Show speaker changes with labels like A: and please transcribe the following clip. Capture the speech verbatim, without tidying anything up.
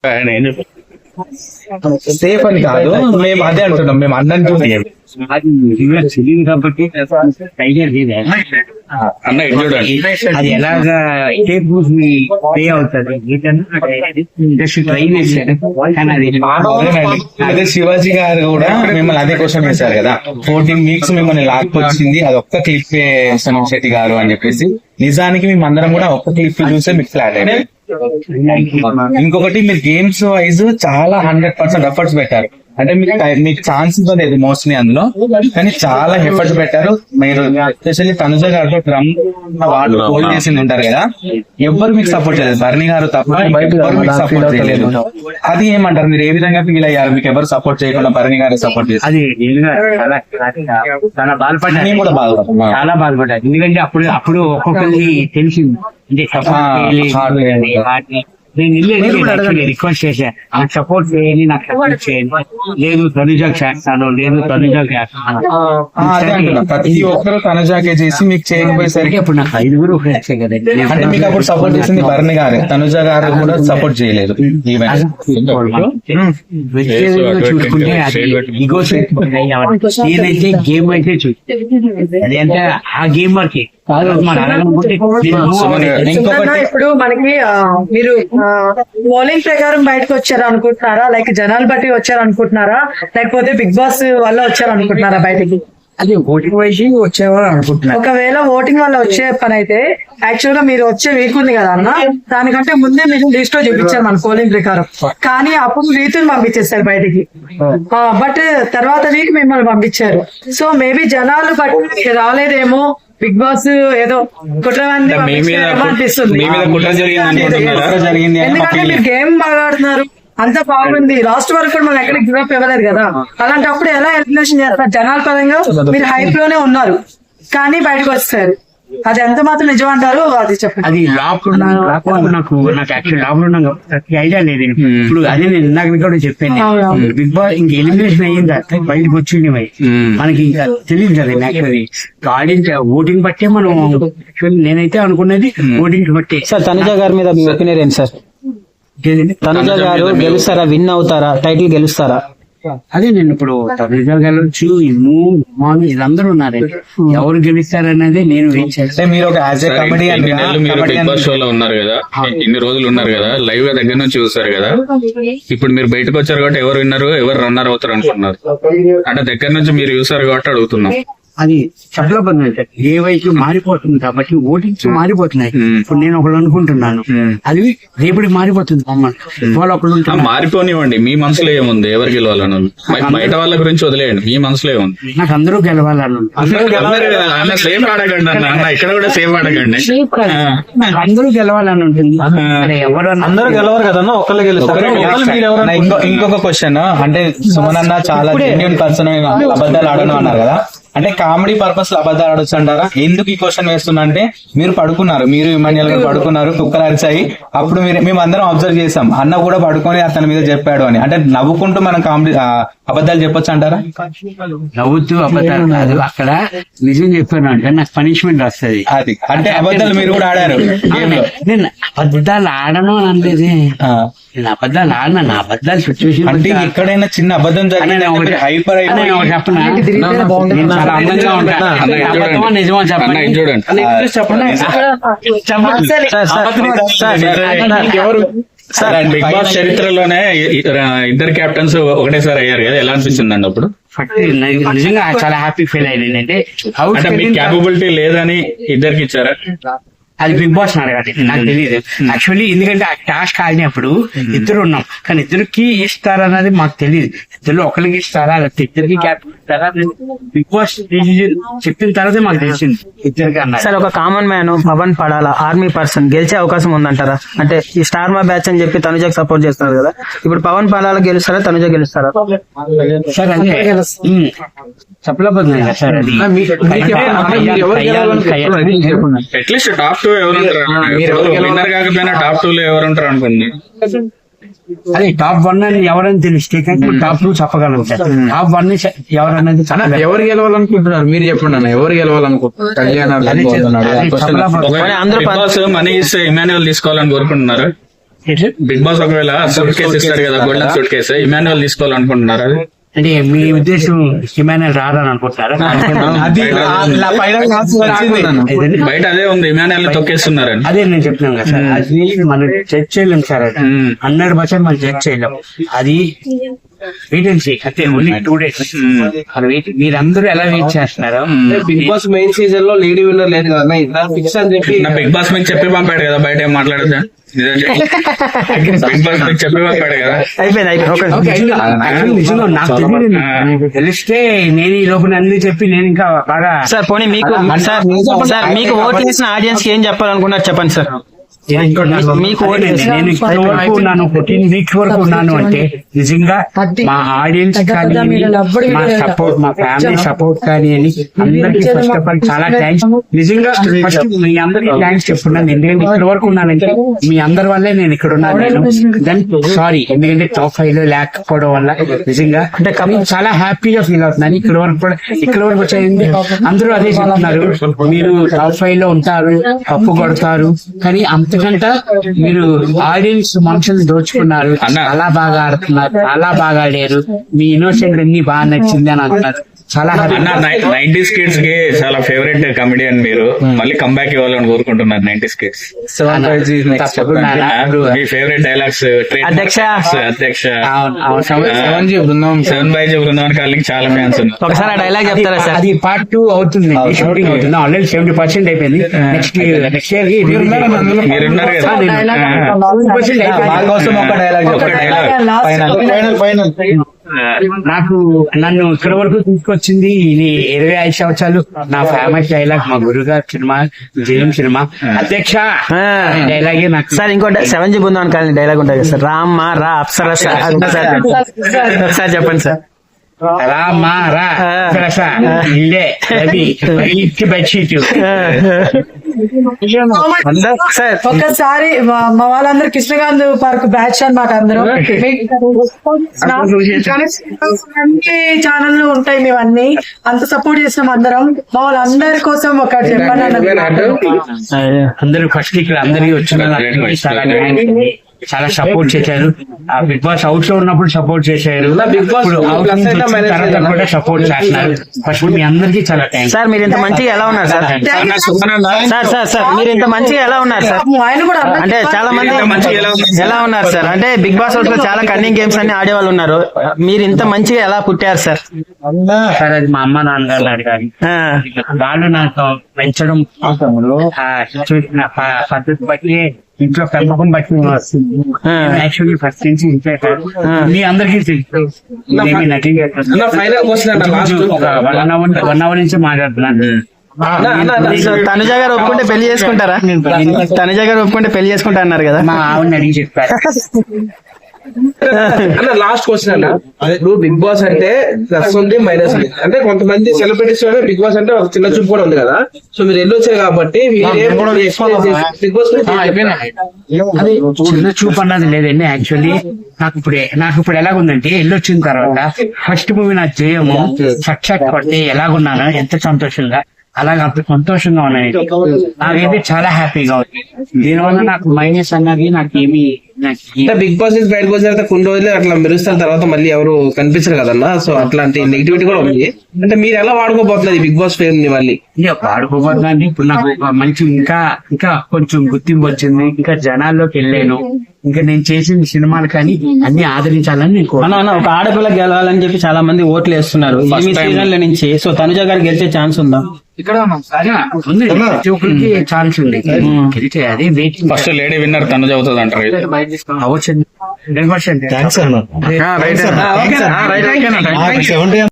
A: Safe అని కాదు, మేము అదే అంటున్నాం, మేము అన్నం
B: తెలియదు కాబట్టి
C: అన్న ఇది చూడండి,
B: అది ఎలాగా పే అవుతుంది ట్రై చేశాను.
A: అదే శివాజీ గారు కూడా మిమ్మల్ని అదే క్వశ్చన్ చేశారు కదా, ఫోర్టీన్ వీక్స్ మిమ్మల్ని లాక్కొచ్చింది అది ఒక్క క్లిప్ సోనం శెట్టి గారు అని చెప్పేసి. నిజానికి మేము అందరం కూడా ఒక్క క్లిప్ చూసే మీకు ఫ్లాట్ అయింది. ఇంకొకటి మీరు గేమ్స్ వైజ్ చాలా హండ్రెడ్ పర్సెంట్ ఎఫర్ట్స్ పెట్టారు, అంటే మీకు మీకు ఛాన్స్ ఇవ్వలేదు మోస్ట్లీ అందులో, కానీ చాలా ఎఫర్ట్స్ పెట్టారు మీరు. ఎస్పెషల్లీ తనుజ గారితో డ్రమ్ వాళ్ళు హోల్డ్ చేసింది ఉంటారు కదా, ఎవ్వరు మీకు సపోర్ట్ చేయలేదు, భరణి గారు తప్ప ఎవ్వరు మీకు సపోర్ట్ చేయలేదు. అది ఏమంటారు, మీరు ఏ విధంగా ఫీల్ అయ్యారు? మీకు ఎవరు సపోర్ట్ చేయకుండా భరణి గారు సపోర్ట్ చేశారు?
B: అది చాలా బాధపడ్డా,
A: కూడా బాధపడ్డా
B: చాలా బాధపడ్డా. ఎందుకంటే అప్పుడు అప్పుడు ఒక్కొక్కరికి తెలిసింది అంటే నేను వెళ్ళి రిక్వెస్ట్ చేశా, నాకు సపోర్ట్ చేయండి, నాకు సపోర్ట్ చేయండి. లేదు తనుజాకి చేస్తాను, లేదు తనుజాకి చేస్తాను.
A: ప్రతి ఒక్కరు తనుజాకే చేసి మీకు చేయకపోయేసరికి
B: అప్పుడు నాకు ఐదుగురు ఫ్రెండ్స్ కదా.
A: అంటే మీకు అప్పుడు సపోర్ట్ చేసింది భరణి గారు, తనుజ గారు కూడా సపోర్ట్ చేయలేదు.
B: చూసుకుంటే ఇగో నేనైతే గేమ్ అయితే చూసి అది అంటే ఆ గేమ్ వరకే కాదు.
D: ఇప్పుడు మనకి మీరు బౌలింగ్ ప్రకారం బయటకు వచ్చారు అనుకుంటున్నారా, లైక్ జనాలు బట్టి వచ్చారు అనుకుంటున్నారా, లేకపోతే బిగ్ బాస్ వల్ల వచ్చారు అనుకుంటున్నారా బయటకి?
B: అది ఓటింగ్ వైజ్ వచ్చేవారు అనుకుంటున్నారు.
D: ఒకవేళ ఓటింగ్ వల్ల వచ్చే పని అయితే యాక్చువల్ గా మీరు వచ్చే వీక్ ఉంది కదా అన్న, దానికంటే ముందే మీరు లిస్ట్ లో చూపించారు మన పోలింగ్ ప్రకారం, కానీ అప్పుడు రీతులు పంపించేస్తారు బయటికి, బట్ తర్వాత వీక్ మిమ్మల్ని పంపించారు. సో మేబీ జనాలు బట్టి రాలేదేమో, బిగ్ బాస్ ఏదో కుట్రవాన్ని అనిపిస్తుంది. ఎందుకంటే మీరు గేమ్ బాగా ఆడుతున్నారు, అంతా బాగుంది, లాస్ట్ వరకు కూడా మనం ఎక్కడికి గివ్ అప్ ఇవ్వలేదు కదా. అలాంటప్పుడు ఎలా ఎలిమినేషన్ చేస్తారు? జనాల పరంగా మీరు హైప్ లోనే ఉన్నారు కానీ బయటకు వస్తారు, అది ఎంత మాత్రం నిజం అంటారు అది చెప్పండి.
B: అది లాక్డౌన్ నాకు నాకు యాక్చువల్ లాక్డౌన్ ఐడియా లేదు. ఇప్పుడు అదే నేను ఇందాక కూడా చెప్పాను, బిగ్ బాస్ ఇంక ఎలిమినేషన్ అయ్యిందా బయటకు వచ్చింది మనకి ఇంకా తెలియదు కదా. యాక్చువల్లీ ఆడియన్స్ ఓటింగ్ బట్టే మనం యాక్చువల్లీ నేనైతే అనుకున్నది ఓటింగ్ బట్టే.
E: సార్ తనుజ గారి మీద మీ ఒపీనియన్ ఏంటి సార్? తనుజ గారు గెలుస్తారా, విన్ అవుతారా, టైటిల్ గెలుస్తారా?
B: అదే నేను ఇప్పుడు తనుజ గెలవచ్చు, వీళ్ళందరూ ఉన్నారు, ఎవరు గెలుస్తారనేది నేను ఏం చేస్తాను.
A: మీరు ఒక
C: బిగ్ బాస్ షో లో ఉన్నారు కదా, ఇన్ని రోజులు ఉన్నారు కదా, లైవ్ గా దగ్గర నుంచి చూసారు కదా, ఇప్పుడు మీరు బయటకు వచ్చారు కాబట్టి ఎవరు విన్నారు ఎవరు రన్నర్ అవుతారు అనుకున్నారు, అంటే దగ్గర నుంచి మీరు చూసారు కాబట్టి అడుగుతున్నాం.
B: అది చాలా బాగుంది, ఏ వైపు మారిపోతుంది కాబట్టి ఓటింగ్స్ మారిపోతున్నాయి. ఇప్పుడు నేను ఒకళ్ళు అనుకుంటున్నాను, అది రేపటికి మారిపోతుంది. వాళ్ళు ఒకళ్ళు
C: మారిపోనివ్వండి, మీ మనసులో ఏముంది, ఎవరు గెలవాలను, బయట వాళ్ళ గురించి వదిలేయండి, మీ మనసులో ఏముంది.
B: నాకు అందరూ గెలవాలను,
C: సేమ్ ఆడకండి అన్న, ఇక్కడ కూడా సేమ్ ఆడకండి,
B: అందరూ గెలవాలని ఉంటుంది. ఎవరు
E: అందరూ గెలవరు కదన్నా, ఒకళ్ళు గెలుస్తారు.
A: ఇంకొక క్వశ్చన్, అంటే సుమన్ అన్న చాలా జెన్యూన్ పర్సన్, అబద్ధాలు ఆడను అన్నారు కదా, అంటే కామెడీ పర్పస్ లో అబద్ధాలు ఆడొచ్చు అంటారా? ఎందుకు ఈ క్వశ్చన్ వేస్తున్నా అంటే, మీరు పడుకున్నారు, మీరు ఇమాన్యుయల్ గారు పడుకున్నారు, కుక్కలు అరిచాయి, అప్పుడు మీరు మేము అందరం అబ్జర్వ్ చేసాం, అన్న కూడా పడుకొని అతని మీద చెప్పాడు అని, అంటే నవ్వుకుంటూ మనం కామెడీ అబద్ధాలు చెప్పొచ్చు అంటారా?
B: నవ్వుతూ అబద్ధాలు కాదు, అక్కడ నిజం చెప్పాను అంటే నాకు పనిష్మెంట్ వస్తుంది.
A: అది అంటే అబద్ధాలు మీరు కూడా ఆడారు
B: నేను అబద్ధాలు ఆడను అనేది, నేను అబద్ధాలు ఆడినా, నా అబద్ధాలు సిచ్యువేషన్
A: అంటే ఎక్కడైనా చిన్న అబద్ధం జరిగిన హైపర్
B: చెప్పనా, చాలా అందంగా ఉంటా, నిజమో చెప్పండి
C: చెప్పండి. బిగ్ బాస్ చరిత్రలోనే ఇద్దరు కెప్టెన్స్ ఒకటేసారి అయ్యారు కదా, ఎలా అనిపించిందండి అప్పుడు?
B: నిజంగా చాలా హ్యాపీ ఫీల్ అయ్యింది. అంటే
C: మీకు క్యాపబిలిటీ లేదని ఇద్దరికి ఇచ్చారా?
B: అది బిగ్ బాస్ అడగాలి, నాకు తెలియదు యాక్చువల్లీ. ఎందుకంటే ఆ టాస్క్ ఆడినప్పుడు ఇద్దరు ఉన్నాం, కానీ ఇద్దరికి ఇస్తారన్నది మాకు తెలియదు. ఇద్దరు ఒకరికి ఇస్తారా లేకపోతే ఇద్దరికి క్యాప్టెన్ ఇస్తారా, బిగ్ బాస్ చెప్పిన తర్వాతే మాకు తెలిసింది ఇద్దరికి అన్నారు.
E: సార్ ఒక కామన్ మ్యాన్ పవన్ పడాలా ఆర్మీ పర్సన్ గెలిచే అవకాశం ఉందంటారా? అంటే ఈ స్టార్ మా బ్యాచ్ అని చెప్పి తనుజకు సపోర్ట్ చేస్తున్నారు కదా, ఇప్పుడు పవన్ పడాలా గెలుస్తారా, తనుజ గెలుస్తారా?
B: సార్ అదే చెప్పలేకపోతున్నా సార్, అది
C: అట్లీస్ట్ టాప్ టూ ఎవరు విన్నర్ కాకపోయినా టాప్ టూ లో ఎవరు ఉంటారు అనుకోండి.
B: అదే టాప్ వన్ అని ఎవరని తెలిస్తే టాప్ టూ చెప్పగలం సార్. టాప్ వన్ ఎవరన్నది
A: ఎవరు గెలవాలనుకుంటున్నారు మీరు చెప్పండి అన్న, ఎవరు గెలవాలనుకుంటున్నారు?
C: మనీ ఇస్తే ఇమాన్యుయల్ తీసుకోవాలని కోరుకుంటున్నారు. బిగ్ బాస్ ఒకవేళ సూట్ కేసు ఇస్తాడు కదా, గోల్డెన్ సూట్ కేసు, ఇమాన్యువల్ తీసుకోవాలనుకుంటున్నారు. అది
B: అంటే మీ ఉద్దేశం ఇమాన్యుయల్ రాదని అనుకుంటారా?
A: అది ఆ final కాల్స్ వచ్చింది.
B: ఏదండి?
C: బయట అదే ఉంది, ఇమాన్యువల్ తొక్కేస్తున్నారని.
B: అదే నేను చెప్తున్నాను కదా సార్, అది మనం చెక్ చేయలేం సార్, అది
C: మ్మ్.
B: హండ్రెడ్ పర్సెంట్ మనం చెక్ చేయలేం. అది వెయిట్ అండ్ సీ, అంటే ఓన్లీ టూ డేస్. మీరందరూ ఎలా వెయిట్ చేస్తున్నారో
F: బిగ్ బాస్ మెయిన్ సీజన్ లో లేడీ విన్నర్ లేదు కదా, ఇట్లా ఫిక్స్ అని చెప్పి
C: నా బిగ్ బాస్ మీకు చెప్పి పంపాడు కదా, బయట ఏం మాట్లాడదా? నిజం చెప్పు. బిగ్ బాస్ మీకు చెప్పి పంపాడు కదా.
E: అయిపోయింది అయిపోయింది ఒక
B: ఓకే, actually నిజంగా నాకు తెలియదు. నాకు తెలిస్తే నేను ఈ లోపల అన్ని చెప్పి నేను ఇంకా బాగా
E: సార్ పోనీ మీకు సార్ సార్ మీకు ఓట్లు వేసిన ఆడియన్స్ కి ఏం చెప్పాలనుకున్నారు చెప్పండి సార్. మీకు ఓటు
B: నేను
E: వేసిన-
B: నేను ఇప్పటి వరకు ఉన్నాను, ఫోర్టీన్ వీక్స్ వరకు ఉన్నాను అంటే నిజంగా మా ఆడియన్స్ కానీ మా సపోర్ట్, మా ఫ్యామిలీ సపోర్ట్ కానీ అని అందరికి ఫస్ట్ ఆఫ్ ఆల్ చాలా థ్యాంక్స్. నిజంగా ఫస్ట్ మీ అందరికి థ్యాంక్స్ చెప్తున్నాను, ఎందుకంటే ఇప్పటి వరకు ఉన్నానంటే మీ అందరి వల్లే నేను ఇక్కడ ఉన్నాను. నేను దెన్ సారీ, ఎందుకంటే టాప్ ఫైవ్ లో లేకపోవడం వల్ల నిజంగా అంటే చాలా హ్యాపీగా ఫీల్ అవుతున్నాను. ఇక్కడ వరకు కూడా ఇక్కడ వరకు వచ్చేది అందరూ అదే చెప్తున్నారు, మీరు టాప్ ఫైవ్ లో ఉంటారు, కప్పు కొడతారు, కానీ అంతకంటే మీరు ఆడియన్స్ మనుషుల్ని దోచుకున్నారు,
C: అన్న.
B: చాలా బాగా ఆడుతున్నారు, చాలా బాగా ఆడారు, మీ ఇన్నోసెంట్ అన్ని బాగా నచ్చింది అని అంటున్నారు. చాలా happy.
C: అన్న నైన్టీస్ కిడ్స్ కి చాలా ఫేవరెట్ కమెడియన్ మీరు, మళ్ళీ కంబ్యాక్ ఇవ్వాలని కోరుకుంటున్నారు నైన్టీస్ కిడ్స్.
B: తప్పకుండా నాకు
C: మీ ఫేవరెట్ డైలాగ్స్?
E: అధ్యక్ష.
C: అధ్యక్ష
B: అవును, అవును.
A: సెవెన్ జీ బృందం
C: సెవెన్ బై జీ బృందావన్ కాలనీకి చాలా ఫ్యాన్స్ ఉన్నారు.
E: ఒకసారి ఆ డైలాగ్ చెప్తారా సార్?
B: అది పార్ట్ టూ అవుతుంది, షూటింగ్ అవుతుంది, ఆల్రెడీ సెవెంటీ పర్సెంట్ అయిపోయింది. నెక్స్ట్ నెక్స్ట్ ఇయర్ కి
C: మీరున్నారు కదా.
A: మా కోసం ఒక డైలాగ్
C: ఒక డైలాగ్
A: ఫైనల్ ఫైనల్
B: నాకు నన్ను ఇక్కడ వరకు తీసుకొచ్చింది ఇది ఇరవై ఐదు సంవత్సరాలు. నా ఫేమస్ డైలాగ్ మా గురుగారు సినిమా, జయం సినిమా, అధ్యక్ష డైలాగే నాకు.
E: సార్ ఇంకో seven G Brindavan colony dialogue ఉంటుంది కదా సార్, రామ్ మా రా అప్సర సార్, అది ఒకసారి చెప్పండి. ఒకసారి చెప్పండి సార్.
B: రా మా రా అప్సరస, ఇల్లే రవి ఇచ్చి బెడ్షీట్.
E: సార్
D: ఒక్కసారి మా మా వాళ్ళందరూ కృష్ణకాంత్ పార్క్ బ్యాచ్ అన్నమాట అందరూ. అన్ని ఛానల్ ఉంటాయి, మేము అన్ని అంత సపోర్ట్ చేసినాం అందరం. మా వాళ్ళందరి కోసం ఒకటి చెప్పండి అన్న.
B: అందరూ ఫస్ట్ ఇక్కడ అందరికి వచ్చిన చాలా thanks. చాలా సపోర్ట్ చేశారు. ఆ బిగ్ బాస్ అవుట్ లో ఉన్నప్పుడు సపోర్ట్ చేశారు,
F: బిగ్ బాస్
B: ఇప్పుడు out నుంచి వచ్చిన తర్వాత కూడా సపోర్ట్ చేస్తున్నారు. ఫస్ట్ మీ అందరికీ చాలా థ్యాంక్స్.
E: సార్ మీరు ఇంత మంచిగా ఎలా ఉన్నారు సార్? సార్ సార్ సార్ మీరు ఇంత మంచిగా ఎలా ఉన్నారు సార్?
D: ఆయన కూడా అన్న-
E: అంటే చాలా మంది
C: మంచిగా ఎలా ఉన్నారు?
E: ఎలా ఉన్నారు సార్? అంటే బిగ్ బాస్ హౌస్ లో చాలా కన్నింగ్ గేమ్స్ అన్ని ఆడేవాళ్ళు ఉన్నారు, మీరు ఇంత మంచిగా ఎలా పుట్టారు సార్?
B: సార్ అది మా అమ్మ నాన్నగారు అడిగారు,
E: ఆ,
B: వాళ్ళు నాకు పెంచడం ఆ సిచ్యువేషన్ పద్ధతి బట్టి ఇంట్లో పెంపకం బట్టి యాక్చువల్లీ ఫస్ట్ నుంచి ఇంట్లో సార్. మీ అందరికీ తెలుసు ఇదేమీ నటింగ్
F: అన్న ఫైనల్ క్వశ్చన్ అన్న లాస్ట్
B: ఒక వన్ అవర్ వన్ అవర్ నుంచి మాట్లాడుతున్నాను.
E: సో తనుజ గారు ఒప్పుకుంటే పెళ్లి చేసుకుంటారా? తనుజ గారు ఒప్పుకుంటే పెళ్లి చేసుకుంటా అన్నారు కదా.
B: మా ఆవిడని అడిగి చెప్పారు.
F: అన్న లాస్ట్ క్వశ్చన్ అన్న, ఇప్పుడు బిగ్ బాస్ అంటే ప్లస్ ఉంది మైనస్ ఉంది, అంటే కొంతమంది సెలబ్రిటీస్ బిగ్ బాస్ అంటే ఒక చిన్న చూపు కూడా ఉంది కదా, సో మీరు ఎల్లు వచ్చారు కాబట్టి బిగ్ బాస్
B: అది చిన్న చూపు అన్నది లేదండి. యాక్చువల్లీ నాకు ఇప్పుడు నాకు ఇప్పుడు ఎలాగుందంటే వెళ్ళొచ్చిన తర్వాత ఫస్ట్ మూవీ నా జయము సక్సెస్ పడితే ఎలాగున్నానో ఎంత సంతోషంగా అలాగే అంత సంతోషంగా ఉన్నాయి. నాకైతే చాలా హ్యాపీగా ఉంది. దీనివల్ల నాకు మైనస్ అన్నది నాకు ఏమి
F: అంటే బిగ్ బాస్ నుంచి బయటకు వచ్చిన తర్వాత కొన్ని రోజులు అట్లా మెరుస్తున్న తర్వాత మళ్ళీ ఎవరు కనిపించరు కదన్నా, సో అట్లాంటి నెగిటివిటీ కూడా ఉంది. అంటే మీరు ఎలా వాడుకోబోతున్నారు బిగ్ బాస్ ఫేమ్ ని మళ్ళీ?
B: వాడుకోబోతుందండి. ఇప్పుడు నాకు ఒక మంచి ఇంకా ఇంకా కొంచెం గుర్తింపు వచ్చింది, ఇంకా జనాల్లోకి వెళ్ళాను, ఇంకా నేను చేసిన సినిమాలు కానీ అన్ని ఆదరించాలని నేను
E: అన్న అన్న, ఒక ఆడపిల్ల గెలవాలని చెప్పి చాలా మంది ఓట్లు వేస్తున్నారు ఈ సీజన్ల నుంచి. సో తనుజ గారు గెలిచే ఛాన్స్ ఉందా?
B: ఇక్కడ ఉంది, ప్రతి ఒక్కరికి ఛాన్స్ ఉంది గెలిచే. అదే వెయిటింగ్.
C: ఫస్ట్ లేడీ విన్నర్ తను చదువుతుంది అంటారు.
B: అవ్వచ్చు.
A: థ్యాంక్స్ అన్న.
E: రైట్.
A: సెవెంటీ